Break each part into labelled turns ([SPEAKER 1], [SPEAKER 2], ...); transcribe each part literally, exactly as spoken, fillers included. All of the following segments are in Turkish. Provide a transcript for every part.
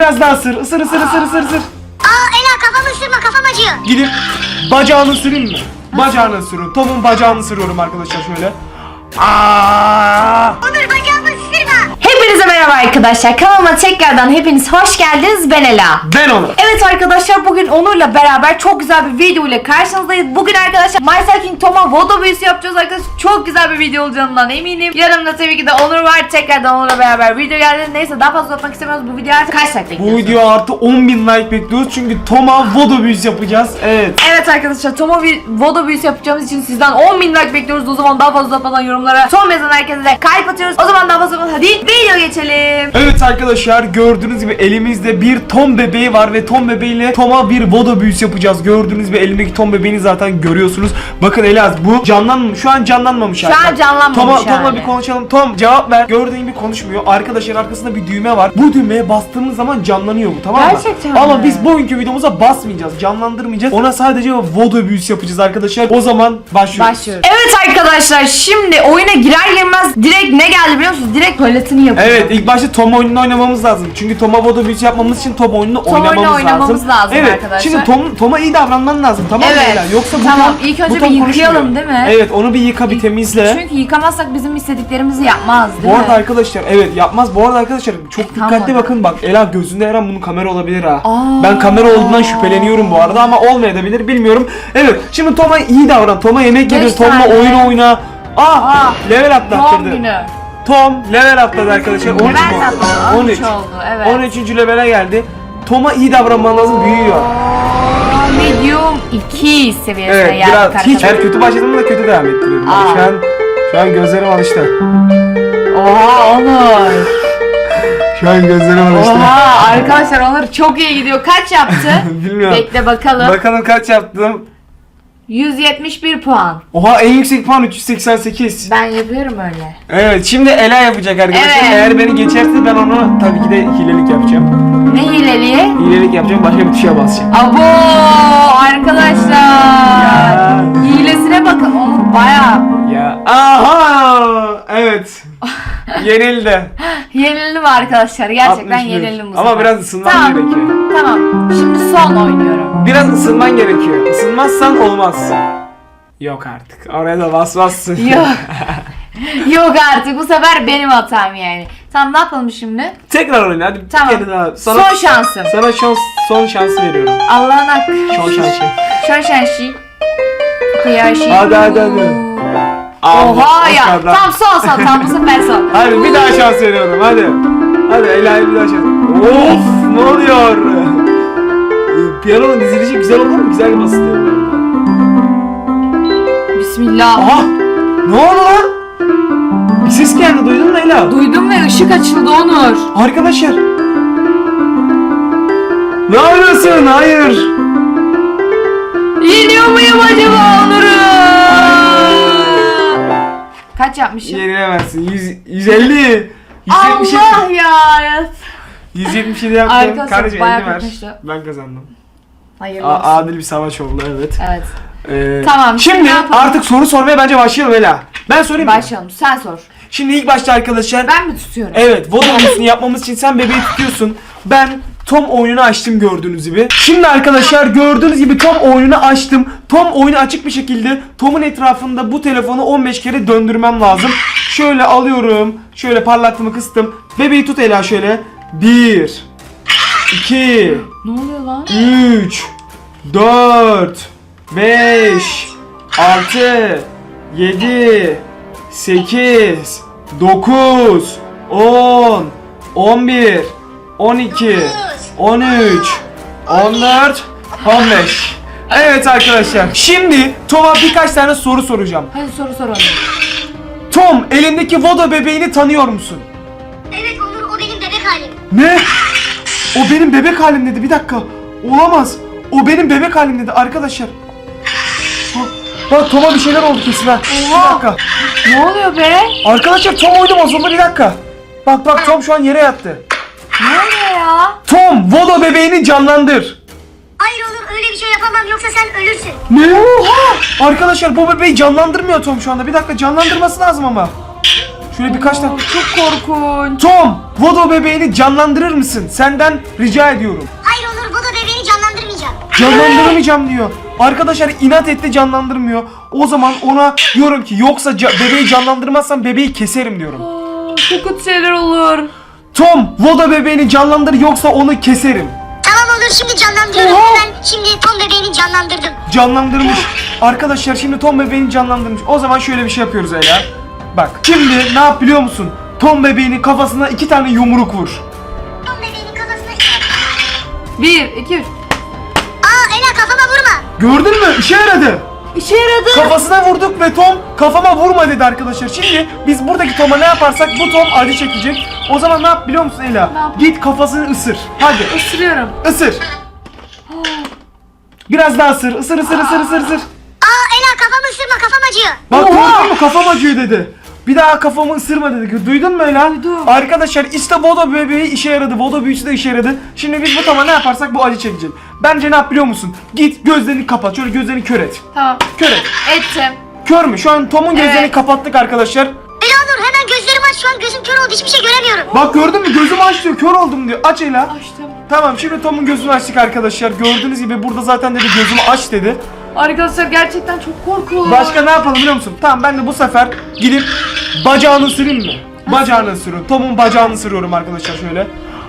[SPEAKER 1] Biraz daha ısır. Isır ısır ısır ısır ısır.
[SPEAKER 2] Aa Ela kafamı ısırma, kafam acıyor.
[SPEAKER 1] Gidip bacağını ısırayım mı? Bacağını ısırıyorum. Tom'un bacağını ısırıyorum arkadaşlar şöyle. Aa!
[SPEAKER 2] Onur bacağımı ısırma.
[SPEAKER 3] Hepinize merhaba arkadaşlar. Kanalıma tekrardan hepiniz hoş geldiniz. Ben Ela.
[SPEAKER 1] Ben Onur.
[SPEAKER 3] Evet arkadaşlar, bugün Onur'la beraber çok güzel bir video ile karşınızdayız. Bugün arkadaşlar My King Tom'a vodo büyüsü yapacağız arkadaşlar. Çok güzel bir video olacağından eminim. Yanımda tabii ki de Onur var. Tekrardan Onur'la beraber video geldi. Neyse daha fazla uzatmak istemiyoruz. Bu video artık kaç like
[SPEAKER 1] Bu
[SPEAKER 3] bekliyorsunuz?
[SPEAKER 1] video artı on bin like bekliyoruz çünkü Tom'a vodo büyüsü yapacağız. Evet.
[SPEAKER 3] Evet arkadaşlar, Tom'a bir vodo büyüsü yapacağımız için sizden on bin like bekliyoruz. O zaman daha fazla uzatmadan yorumlara Tom yazan herkese de kalp atıyoruz. O zaman daha fazla uzatmadan hadi video geçelim.
[SPEAKER 1] Evet arkadaşlar, gördüğünüz gibi elimizde bir Tom bebeği var ve Tom bebeğiyle Tom'a bir vodo büyüsü yapacağız. Gördüğünüz gibi elimdeki Tom bebeğini zaten görüyorsunuz. Bakın Elaz, bu canlanmamış. Şu an canlanmamış.
[SPEAKER 3] Şu an canlanmamış
[SPEAKER 1] Tom'a,
[SPEAKER 3] yani.
[SPEAKER 1] Tom'la bir konuşalım. Tom cevap ver. Gördüğün gibi konuşmuyor. Arkadaşlar arkasında bir düğme var. Bu düğmeye bastığımız zaman canlanıyor bu, tamam mı?
[SPEAKER 3] Gerçekten
[SPEAKER 1] Ama
[SPEAKER 3] mi?
[SPEAKER 1] biz bugünkü videomuza basmayacağız. Canlandırmayacağız. Ona sadece vodo büyüsü yapacağız arkadaşlar. O zaman başlıyoruz.
[SPEAKER 3] Başlıyoruz. Evet arkadaşlar, şimdi oyuna girer girmez direkt ne geldi biliyor musunuz? Direkt tuvaletini yapacağız.
[SPEAKER 1] Evet, ilk başta Tom oyununu oynamamız lazım. Çünkü Tom'a vodo büyüsü yapmamız için Tom oyununu
[SPEAKER 3] Tom
[SPEAKER 1] oynamamız,
[SPEAKER 3] oyunu oynamamız
[SPEAKER 1] lazım.
[SPEAKER 3] lazım
[SPEAKER 1] Evet.
[SPEAKER 3] arkadaşlar.
[SPEAKER 1] Şimdi Tom Tom'a iyi davranman lazım, tamam mı?
[SPEAKER 3] Evet.
[SPEAKER 1] Ela? Yoksa bu
[SPEAKER 3] Tamam,
[SPEAKER 1] Tom,
[SPEAKER 3] ilk önce
[SPEAKER 1] bu Tom
[SPEAKER 3] bir yıkayalım,
[SPEAKER 1] konuşmuyor.
[SPEAKER 3] değil mi?
[SPEAKER 1] Evet, onu bir yıka, bir temizle.
[SPEAKER 3] Çünkü yıkamazsak bizim istediklerimizi yapmaz, değil
[SPEAKER 1] Bu
[SPEAKER 3] mi?
[SPEAKER 1] arada arkadaşlar, evet yapmaz. Bu arada arkadaşlar çok
[SPEAKER 3] Tamam.
[SPEAKER 1] dikkatli bakın, bak Ela gözünde her an bunun kamera olabilir ha.
[SPEAKER 3] Aa.
[SPEAKER 1] Ben kamera olduğundan şüpheleniyorum bu arada ama olmayabilir, bilmiyorum. Evet, şimdi Tom'a iyi davran. Tom'a yemek yedir,
[SPEAKER 3] Beş
[SPEAKER 1] Tom'la
[SPEAKER 3] tane.
[SPEAKER 1] oyun oyna. Aa,
[SPEAKER 3] Aa.
[SPEAKER 1] level atlattırdı.
[SPEAKER 3] Doğum günü.
[SPEAKER 1] Tom level atladı arkadaşlar. on üç
[SPEAKER 3] Level
[SPEAKER 1] oldu.
[SPEAKER 3] atladı,
[SPEAKER 1] on üç
[SPEAKER 3] on üç oldu, evet.
[SPEAKER 1] on üçüncü levele geldi. Tom'a iyi davranman lazım, büyüyor.
[SPEAKER 3] Aa, medium iki seviyesine
[SPEAKER 1] Evet,
[SPEAKER 3] geldik
[SPEAKER 1] biraz
[SPEAKER 3] arkadaşlar.
[SPEAKER 1] hiç eğer kötü başladığımda da kötü devam ettiriyorum. Bak,
[SPEAKER 3] Aa.
[SPEAKER 1] Şu an şu an gözlerim alıştı.
[SPEAKER 3] Oha Onur.
[SPEAKER 1] Şu an gözlerim alıştı.
[SPEAKER 3] Oha arkadaşlar, Onur çok iyi gidiyor. Kaç yaptı?
[SPEAKER 1] Bilmiyorum.
[SPEAKER 3] Bekle bakalım.
[SPEAKER 1] Bakalım kaç yaptım.
[SPEAKER 3] yüz yetmiş bir puan.
[SPEAKER 1] Oha, en yüksek puan üç yüz seksen sekiz.
[SPEAKER 3] Ben yapıyorum öyle.
[SPEAKER 1] Evet, şimdi Ela yapacak arkadaşlar.
[SPEAKER 3] Evet.
[SPEAKER 1] Eğer beni geçerse ben onu tabii ki de hilelik yapacağım.
[SPEAKER 3] Ne hileli?
[SPEAKER 1] Hilelik yapacağım, başka bir tuşa basacağım.
[SPEAKER 3] Abo arkadaşlar.
[SPEAKER 1] Ya.
[SPEAKER 3] Hilesine bakın, Onur baya
[SPEAKER 1] Ya aha! Evet. Yenildi.
[SPEAKER 3] yenildim arkadaşlar. Gerçekten
[SPEAKER 1] altmış bir.
[SPEAKER 3] yenildim bu
[SPEAKER 1] Ama
[SPEAKER 3] sefer.
[SPEAKER 1] biraz ısınman
[SPEAKER 3] Tamam.
[SPEAKER 1] gerekiyor.
[SPEAKER 3] Tamam. Şimdi son oynuyorum.
[SPEAKER 1] Biraz ısınman gerekiyor. Isınmazsan olmaz. Yok artık. Oraya da basmazsın.
[SPEAKER 3] Yok. Yok artık, bu sefer benim hatam yani. Tamam, ne yapalım şimdi?
[SPEAKER 1] Tekrar oyna hadi.
[SPEAKER 3] Tamam.
[SPEAKER 1] Bir kere daha. Sana,
[SPEAKER 3] Son şansım.
[SPEAKER 1] Sana şans, son şansı veriyorum.
[SPEAKER 3] Allah'ın hakkı.
[SPEAKER 1] Son şansı.
[SPEAKER 3] Son şansı. Kıyaşı.
[SPEAKER 1] Hadi, hadi, hadi.
[SPEAKER 3] Oha ya.
[SPEAKER 1] kadar.
[SPEAKER 3] Tam son son. Tam bu sefer son.
[SPEAKER 1] Hadi bir daha şans veriyorum hadi. Hadi Ela'ya bir daha şans. Of, ne oluyor? Piyanonun dizilişi güzel olur mu? Güzel basılıyor bu arada.
[SPEAKER 3] Bismillah.
[SPEAKER 1] Aha! Ne oldu lan? Bir ses geldi, duydun mu Ela?
[SPEAKER 3] Duydum ve ışık açıldı Onur.
[SPEAKER 1] Arkadaşlar. Ne yapıyorsun? Hayır.
[SPEAKER 3] Yeniyor muyum acaba Onur'u? Kaç yapmışım?
[SPEAKER 1] Yenilemezsin. yüz, yüz elli. yüz yetmiş yedi.
[SPEAKER 3] Allah ya.
[SPEAKER 1] yüz yetmiş yedi yaptım.
[SPEAKER 3] Arkadaşlar,
[SPEAKER 1] Kardeşim
[SPEAKER 3] bayağı
[SPEAKER 1] elli ver.
[SPEAKER 3] kötüydü.
[SPEAKER 1] Ben kazandım.
[SPEAKER 3] Hayırlı
[SPEAKER 1] A-
[SPEAKER 3] olsun.
[SPEAKER 1] adil bir savaş oldu, evet.
[SPEAKER 3] Evet.
[SPEAKER 1] Ee,
[SPEAKER 3] Tamam, şimdi
[SPEAKER 1] Şimdi
[SPEAKER 3] ne yapalım?
[SPEAKER 1] artık soru sormaya bence başlayalım Ela. Ben sorayım mı?
[SPEAKER 3] Başlayalım. Sen sor.
[SPEAKER 1] Şimdi ilk başta arkadaşlar.
[SPEAKER 3] Ben mi tutuyorum?
[SPEAKER 1] Evet, vodo oyununu yapmamız için sen bebeği tutuyorsun. Ben Tom oyununu açtım gördüğünüz gibi. Şimdi arkadaşlar gördüğünüz gibi Tom oyununu açtım. Tom oyunu açık bir şekilde Tom'un etrafında bu telefonu on beş kere döndürmem lazım. Şöyle alıyorum. Şöyle parlaklığımı kıstım. Bebeği tut Ela şöyle. bir iki
[SPEAKER 3] Ne oluyor lan?
[SPEAKER 1] üç dört beş altı yedi sekiz dokuz on on bir on iki on üç on dört on beş. Evet arkadaşlar, şimdi Tom'a birkaç tane soru soracağım.
[SPEAKER 3] Hadi soru soralım.
[SPEAKER 1] Tom, elindeki vodo bebeğini tanıyor musun?
[SPEAKER 2] Evet Onur, o benim bebek halim.
[SPEAKER 1] Ne? O benim bebek halim dedi. Bir dakika. Olamaz. O benim bebek halim dedi arkadaşlar. Bak, bak Tom'a bir şeyler oldu kesin ha. Bir
[SPEAKER 3] Oha.
[SPEAKER 1] dakika.
[SPEAKER 3] Ne oluyor be?
[SPEAKER 1] Arkadaşlar Tom oydu bozuldu, bir dakika. Bak bak Tom şu an yere yattı.
[SPEAKER 3] Ne oluyor ya?
[SPEAKER 1] Tom, vodo bebeğini canlandır.
[SPEAKER 2] Hayır Onur, öyle bir şey yapamam, yoksa sen ölürsün.
[SPEAKER 1] Ne? Oha! Arkadaşlar bu bebeği canlandırmıyor Tom şu anda. Bir dakika, canlandırması lazım ama. Şöyle birkaç tane.
[SPEAKER 3] Oo, çok korkunç.
[SPEAKER 1] Tom, Vodo bebeğini canlandırır mısın? Senden rica ediyorum.
[SPEAKER 2] Hayır Onur bu da bebeğini canlandırmayacağım.
[SPEAKER 1] Canlandıramayacağım diyor. Arkadaşlar inat etti, canlandırmıyor. O zaman ona diyorum ki yoksa ca- bebeği canlandırmazsan bebeği keserim diyorum.
[SPEAKER 3] Aa, çok kötü şeyler olur.
[SPEAKER 1] Tom, Vodo bebeğini canlandır yoksa onu keserim.
[SPEAKER 2] Tamam Onur şimdi canlandırıyorum.
[SPEAKER 3] Oha.
[SPEAKER 2] Ben şimdi Tom bebeğini canlandırdım.
[SPEAKER 1] Canlandırmış. Arkadaşlar şimdi Tom bebeğini canlandırmış. O zaman şöyle bir şey yapıyoruz Ela. Bak şimdi ne yap biliyor musun? Tom bebeğinin kafasına iki tane yumruk vur.
[SPEAKER 2] Tom bebeğinin kafasına çıkar.
[SPEAKER 3] Bir, iki, üç.
[SPEAKER 2] Aa Ela kafama vurma.
[SPEAKER 1] Gördün mü? İşe yaradı.
[SPEAKER 3] İşe yaradı.
[SPEAKER 1] Kafasına vurduk ve Tom kafama vurma dedi arkadaşlar. Şimdi biz buradaki Tom'a ne yaparsak bu Tom acı çekecek. O zaman ne yap biliyor musun Ela?
[SPEAKER 3] Ne yap?
[SPEAKER 1] Git kafasını ısır. Hadi
[SPEAKER 3] Isırıyorum.
[SPEAKER 1] ısır. Biraz daha ısır. Isır ısır ısır ısır ısır.
[SPEAKER 2] Aa Ela kafamı ısırma kafam acıyor.
[SPEAKER 1] Bak
[SPEAKER 3] Oha!
[SPEAKER 1] gördün mü kafam acıyor dedi. Bir daha kafamı ısırma dedi. Duydun mu Ela?
[SPEAKER 3] Duydum.
[SPEAKER 1] Arkadaşlar işte Vodo bebeği işe yaradı. Vodo büyüsü de işe yaradı. Şimdi biz bu Tom'a ne yaparsak bu acı çekecek. Bence ne yap biliyor musun? Git gözlerini kapat. Şöyle gözlerini kör et.
[SPEAKER 3] Tamam.
[SPEAKER 1] Kör et.
[SPEAKER 3] Ettim.
[SPEAKER 1] Kör mü? Şu an Tom'un gözlerini
[SPEAKER 3] Evet.
[SPEAKER 1] kapattık arkadaşlar.
[SPEAKER 2] Ela Onur hemen gözlerimi aç şu an gözüm kör oldu hiçbir şey göremiyorum.
[SPEAKER 1] Bak gördün mü? Gözümü aç diyor. Kör oldum diyor. Aç Ela.
[SPEAKER 3] Açtım.
[SPEAKER 1] Tamam şimdi Tom'un gözünü açtık arkadaşlar. Gördüğünüz gibi burada zaten dedi gözümü aç dedi.
[SPEAKER 3] Arkadaşlar gerçekten çok korkunç.
[SPEAKER 1] Başka ne yapalım biliyor musun? Tamam ben de bu sefer gidip bacağını ısırayım mı? Bacağını ısırıyorum. Tom'un bacağını ısırıyorum arkadaşlar şöyle.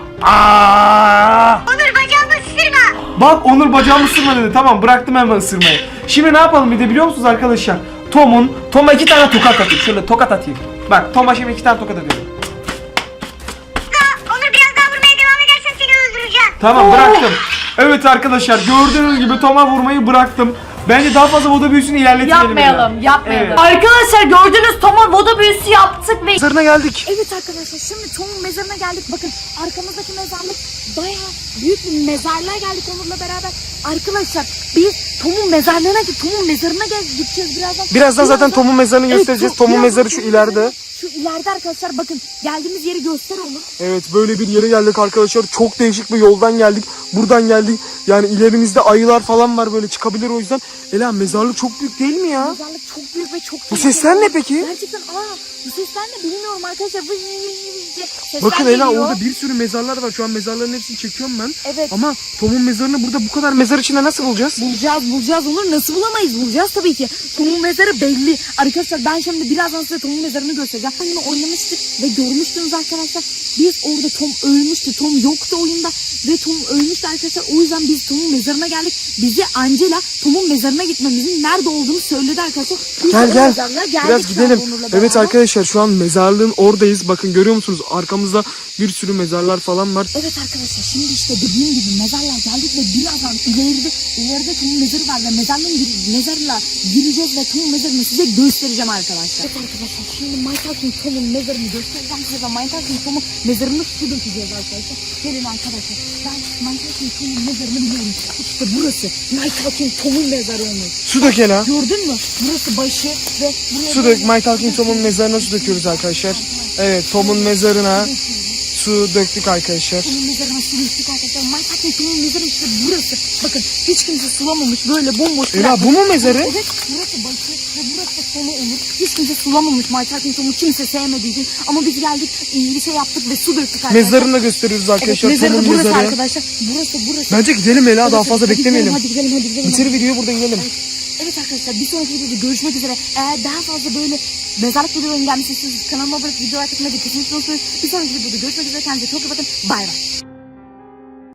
[SPEAKER 1] Aa!
[SPEAKER 2] Onur bacağımı ısırma.
[SPEAKER 1] Bak Onur bacağımı ısırma dedi. Tamam bıraktım hemen ısırmayı. Şimdi ne yapalım bir de biliyor musunuz arkadaşlar? Tom'un, Tom'a iki tane tokat atayım. Şöyle tokat atayım. Bak Tom'a şimdi iki tane tokat atıyorum.
[SPEAKER 2] Aa, Onur biraz daha vurmaya devam edersen seni öldüreceğim.
[SPEAKER 1] Tamam
[SPEAKER 3] Oo.
[SPEAKER 1] bıraktım. Evet arkadaşlar gördüğünüz gibi Tom'a vurmayı bıraktım. Bence daha fazla Vodo büyüsünü ilerletmeyelim.
[SPEAKER 3] Yapmayalım,
[SPEAKER 1] Ela.
[SPEAKER 3] yapmayalım.
[SPEAKER 1] Evet.
[SPEAKER 3] Arkadaşlar gördünüz Tom'a Vodo büyüsü yaptık ve
[SPEAKER 1] Mezarına geldik.
[SPEAKER 4] Evet arkadaşlar şimdi Tom'un mezarına geldik. Bakın arkamızdaki mezarlık bayağı büyük bir mezarlığa geldik Onur'la beraber. Arkadaşlar biz Tom'un mezarlığına gidip Tom'un mezarına gel gideceğiz birazdan.
[SPEAKER 1] Birazdan zaten Tom'un mezarını
[SPEAKER 4] Evet,
[SPEAKER 1] göstereceğiz.
[SPEAKER 4] Tom-
[SPEAKER 1] Tom'un
[SPEAKER 4] birazdan
[SPEAKER 1] mezarı şu
[SPEAKER 4] Tom'un
[SPEAKER 1] ileride.
[SPEAKER 4] mezarı Şu ileride arkadaşlar bakın geldiğimiz yeri göster Onur.
[SPEAKER 1] Evet böyle bir yere geldik arkadaşlar. Çok değişik bir yoldan geldik. Buradan geldik. Yani ilerimizde ayılar falan var böyle çıkabilir o yüzden. Ela mezarlık çok büyük değil mi ya?
[SPEAKER 4] Mezarlık çok büyük ve çok
[SPEAKER 1] Bu
[SPEAKER 4] tehlikeli.
[SPEAKER 1] sesler ne peki?
[SPEAKER 4] Gerçekten aa bu sesler ne bilmiyorum arkadaşlar. Vıy vıy vıy vıy diye sesler
[SPEAKER 1] Bakın Ela
[SPEAKER 4] geliyor.
[SPEAKER 1] orada bir sürü mezarlar var. Şu an mezarların hepsini çekiyorum ben.
[SPEAKER 4] Evet.
[SPEAKER 1] Ama Tom'un mezarını burada bu kadar mezar içinde nasıl bulacağız?
[SPEAKER 4] Bulacağız bulacağız Onur nasıl bulamayız bulacağız tabii ki. Tom'un mezarı belli. Arkadaşlar ben şimdi birazdan size Tom'un mezarını göstereceğim. Oyunu oynamıştık ve görmüştünüz arkadaşlar. Biz orada Tom ölmüştü. Tom yoktu oyunda ve Tom ölmüştü arkadaşlar. O yüzden biz Tom'un mezarına geldik. Bize Angela Tom'un mezarına gitmemizin nerede olduğunu söyledi arkadaşlar. Biz
[SPEAKER 1] Gel
[SPEAKER 4] o
[SPEAKER 1] gel.
[SPEAKER 4] mezarlığa geldik
[SPEAKER 1] Biraz
[SPEAKER 4] şu an
[SPEAKER 1] gidelim.
[SPEAKER 4] Onur'la
[SPEAKER 1] Evet
[SPEAKER 4] beraber.
[SPEAKER 1] arkadaşlar şu an mezarlığın oradayız. Bakın görüyor musunuz? Arkamızda bir sürü mezarlar falan var.
[SPEAKER 4] Evet arkadaşlar şimdi işte dediğim gibi mezarlığa geldik ve birazdan ileride ileride Tom'un mezarı var ve mezarlığın gir, mezarla gireceğiz ve Tom'un mezarını size göstereceğim arkadaşlar. Evet arkadaşlar şimdi Michael'ın Tom'un mezarını göstereceğim size ve Michael'ın Tom'un mezarını su dökeceğiz arkadaşlar. Gelin arkadaşlar ben Michael'ın Tom'un mezarını biliyorum. İşte burası Michael'ın Tom'un mezarı olmuş.
[SPEAKER 1] Su dök Ela.
[SPEAKER 4] Gördün mü? Burası başı ve buraya
[SPEAKER 1] Su dök. Michael King Tom'un mezarına su döküyoruz arkadaşlar. Evet Tom'un mezarına su döktük arkadaşlar.
[SPEAKER 4] Tom'un mezarına su döktük arkadaşlar. Michael'ın Tom'un mezarı işte burası. Bakın hiç kimse sulamamış böyle bomboş.
[SPEAKER 1] Ela
[SPEAKER 4] bırakmış.
[SPEAKER 1] bu mu mezarı?
[SPEAKER 4] Evet burası başı ve burası da sonu olur. Hiç kimse sulamamış Michael'ın Tom'u kimse sevmediği için. Ama biz geldik iyi bir şey yaptık ve su döktük arkadaşlar.
[SPEAKER 1] Mezarını da gösteriyoruz
[SPEAKER 4] Evet,
[SPEAKER 1] arkadaşlar.
[SPEAKER 4] mezarı da
[SPEAKER 1] Tom'un
[SPEAKER 4] burası
[SPEAKER 1] mezarı.
[SPEAKER 4] arkadaşlar. Burası burası.
[SPEAKER 1] Bence gidelim Ela daha
[SPEAKER 4] Evet,
[SPEAKER 1] fazla
[SPEAKER 4] hadi
[SPEAKER 1] beklemeyelim.
[SPEAKER 4] Gidelim, hadi gidelim hadi gidelim.
[SPEAKER 1] Bitir videoyu burada gidelim.
[SPEAKER 4] Evet arkadaşlar bir sonraki videoda görüşmek üzere. Eğer daha fazla böyle mezarlık videolarının gelmesi istiyorsanız kanalıma abone olup videolar tıklamayı kesinlikle unutmayın. Bir sonraki videoda görüşmek üzere. Kendinize çok iyi bakın. Bay bay.